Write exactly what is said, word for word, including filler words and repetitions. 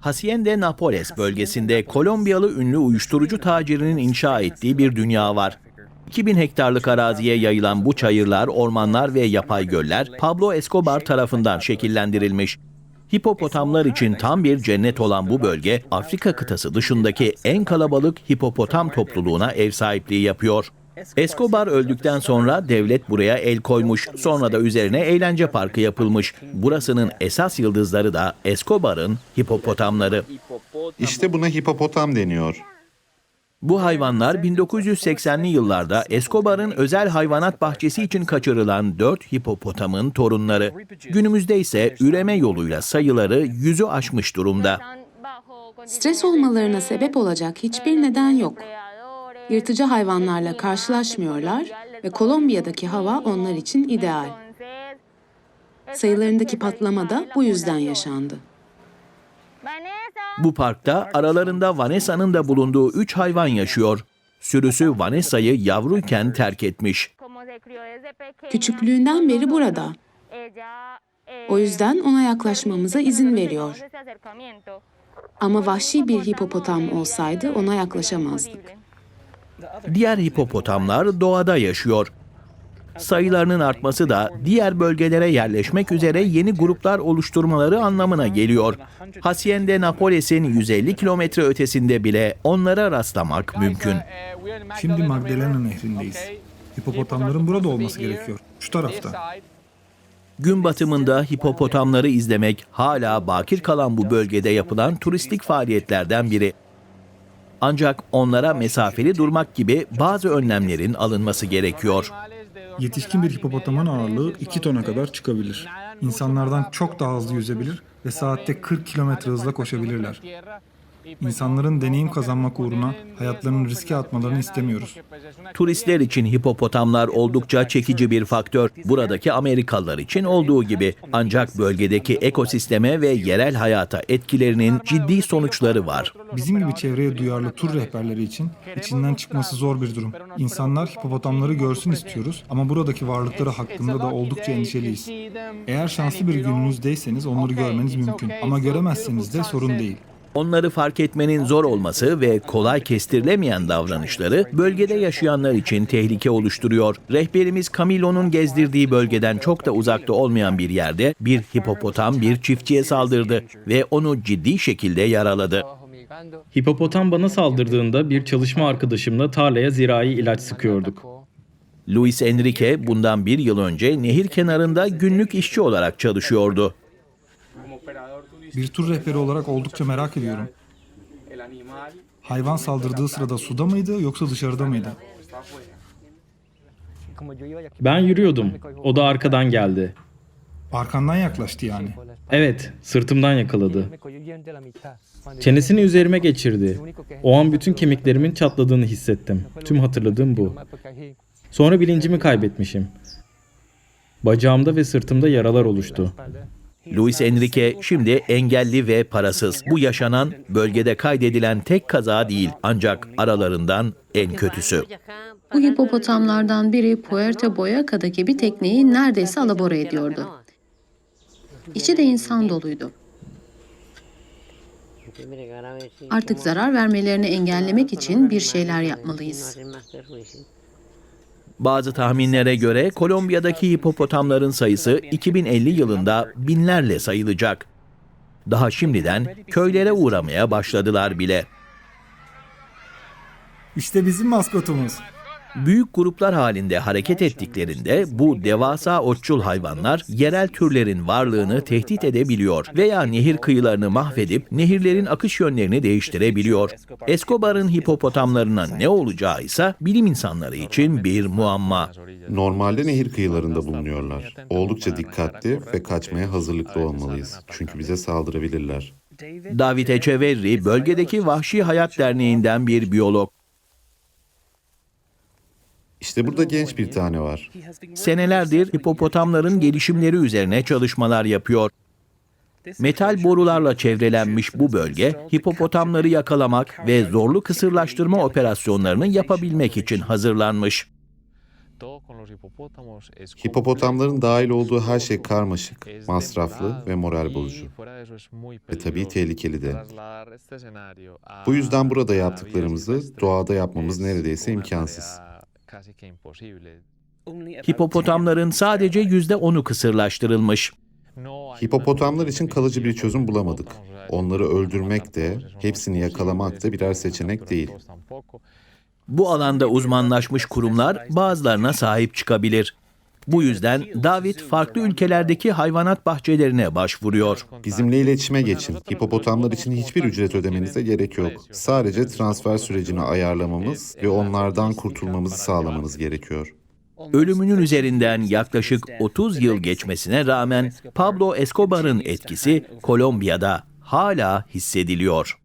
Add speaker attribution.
Speaker 1: Hacienda Nápoles bölgesinde Kolombiyalı ünlü uyuşturucu tacirinin inşa ettiği bir dünya var. iki bin hektarlık araziye yayılan bu çayırlar, ormanlar ve yapay göller Pablo Escobar tarafından şekillendirilmiş. Hipopotamlar için tam bir cennet olan bu bölge, Afrika kıtası dışındaki en kalabalık hipopotam topluluğuna ev sahipliği yapıyor. Escobar öldükten sonra devlet buraya el koymuş, sonra da üzerine eğlence parkı yapılmış. Burasının esas yıldızları da Escobar'ın hipopotamları.
Speaker 2: İşte buna hipopotam deniyor.
Speaker 1: Bu hayvanlar bin dokuz yüz seksenli yıllarda Escobar'ın özel hayvanat bahçesi için kaçırılan dört hipopotamın torunları. Günümüzde ise üreme yoluyla sayıları yüzü aşmış durumda.
Speaker 3: Stres olmalarına sebep olacak hiçbir neden yok. Yırtıcı hayvanlarla karşılaşmıyorlar ve Kolombiya'daki hava onlar için ideal. Sayılarındaki patlama da bu yüzden yaşandı.
Speaker 1: Bu parkta aralarında Vanessa'nın da bulunduğu üç hayvan yaşıyor. Sürüsü Vanessa'yı yavruyken terk etmiş.
Speaker 3: Küçüklüğünden beri burada. O yüzden ona yaklaşmamıza izin veriyor. Ama vahşi bir hipopotam olsaydı ona yaklaşamazdık.
Speaker 1: Diğer hipopotamlar doğada yaşıyor. Sayılarının artması da diğer bölgelere yerleşmek üzere yeni gruplar oluşturmaları anlamına geliyor. Hacienda Nápoles'in yüz elli kilometre ötesinde bile onlara rastlamak mümkün.
Speaker 4: Şimdi Magdalena Nehri'ndeyiz. Hipopotamların burada olması gerekiyor. Şu tarafta.
Speaker 1: Gün batımında hipopotamları izlemek hala bakir kalan bu bölgede yapılan turistik faaliyetlerden biri. Ancak onlara mesafeli durmak gibi bazı önlemlerin alınması gerekiyor.
Speaker 4: Yetişkin bir hipopotamın ağırlığı iki tona kadar çıkabilir. İnsanlardan çok daha hızlı yüzebilir ve saatte kırk kilometre hızla koşabilirler. İnsanların deneyim kazanmak uğruna hayatlarını riske atmalarını istemiyoruz.
Speaker 1: Turistler için hipopotamlar oldukça çekici bir faktör. Buradaki Amerikalılar için olduğu gibi. Ancak bölgedeki ekosisteme ve yerel hayata etkilerinin ciddi sonuçları var.
Speaker 4: Bizim gibi çevreye duyarlı tur rehberleri için içinden çıkması zor bir durum. İnsanlar hipopotamları görsün istiyoruz ama buradaki varlıkları hakkında da oldukça endişeliyiz. Eğer şanslı bir gününüzdeyseniz onları görmeniz mümkün ama göremezseniz de sorun değil.
Speaker 1: Onları fark etmenin zor olması ve kolay kestirilemeyen davranışları bölgede yaşayanlar için tehlike oluşturuyor. Rehberimiz Camilo'nun gezdirdiği bölgeden çok da uzakta olmayan bir yerde bir hipopotam bir çiftçiye saldırdı ve onu ciddi şekilde yaraladı.
Speaker 5: Hipopotam bana saldırdığında bir çalışma arkadaşımla tarlaya zirai ilaç sıkıyorduk.
Speaker 1: Luis Enrique bundan bir yıl önce nehir kenarında günlük işçi olarak çalışıyordu.
Speaker 4: Bir tur rehberi olarak oldukça merak ediyorum. Hayvan saldırdığı sırada suda mıydı yoksa dışarıda mıydı?
Speaker 5: Ben yürüyordum. O da arkadan geldi.
Speaker 4: Arkandan yaklaştı yani.
Speaker 5: Evet, sırtımdan yakaladı. Çenesini üzerime geçirdi. O an bütün kemiklerimin çatladığını hissettim. Tüm hatırladığım bu. Sonra bilincimi kaybetmişim. Bacağımda ve sırtımda yaralar oluştu.
Speaker 1: Luis Enrique şimdi engelli ve parasız. Bu yaşanan bölgede kaydedilen tek kaza değil ancak aralarından en kötüsü.
Speaker 3: Bu hipopotamlardan biri Puerto Boyaca'daki bir tekneyi neredeyse alabora ediyordu. İçi de insan doluydu. Artık zarar vermelerini engellemek için bir şeyler yapmalıyız.
Speaker 1: Bazı tahminlere göre Kolombiya'daki hipopotamların sayısı iki bin elli yılında binlerle sayılacak. Daha şimdiden köylere uğramaya başladılar bile.
Speaker 4: İşte bizim maskotumuz.
Speaker 1: Büyük gruplar halinde hareket ettiklerinde bu devasa otçul hayvanlar yerel türlerin varlığını tehdit edebiliyor veya nehir kıyılarını mahvedip nehirlerin akış yönlerini değiştirebiliyor. Escobar'ın hipopotamlarına ne olacağı ise bilim insanları için bir muamma.
Speaker 2: Normalde nehir kıyılarında bulunuyorlar. Oldukça dikkatli ve kaçmaya hazırlıklı olmalıyız. Çünkü bize saldırabilirler.
Speaker 1: David Echeverri, bölgedeki Vahşi Hayat Derneği'nden bir biyolog.
Speaker 2: İşte burada genç bir tane var.
Speaker 1: Senelerdir hipopotamların gelişimleri üzerine çalışmalar yapıyor. Metal borularla çevrelenmiş bu bölge, hipopotamları yakalamak ve zorlu kısırlaştırma operasyonlarını yapabilmek için hazırlanmış.
Speaker 2: Hipopotamların dahil olduğu her şey karmaşık, masraflı ve moral bozucu. Ve tabii tehlikeli de. Bu yüzden burada yaptıklarımızı doğada yapmamız neredeyse imkansız.
Speaker 1: Hipopotamların sadece yüzde onu kısırlaştırılmış.
Speaker 2: Hipopotamlar için kalıcı bir çözüm bulamadık. Onları öldürmek de, hepsini yakalamak da birer seçenek değil.
Speaker 1: Bu alanda uzmanlaşmış kurumlar bazılarına sahip çıkabilir. Bu yüzden David farklı ülkelerdeki hayvanat bahçelerine başvuruyor.
Speaker 2: Bizimle iletişime geçin. Hipopotamlar için hiçbir ücret ödemenize gerek yok. Sadece transfer sürecini ayarlamamız ve onlardan kurtulmamızı sağlamanız gerekiyor.
Speaker 1: Ölümünün üzerinden yaklaşık otuz yıl geçmesine rağmen Pablo Escobar'ın etkisi Kolombiya'da hala hissediliyor.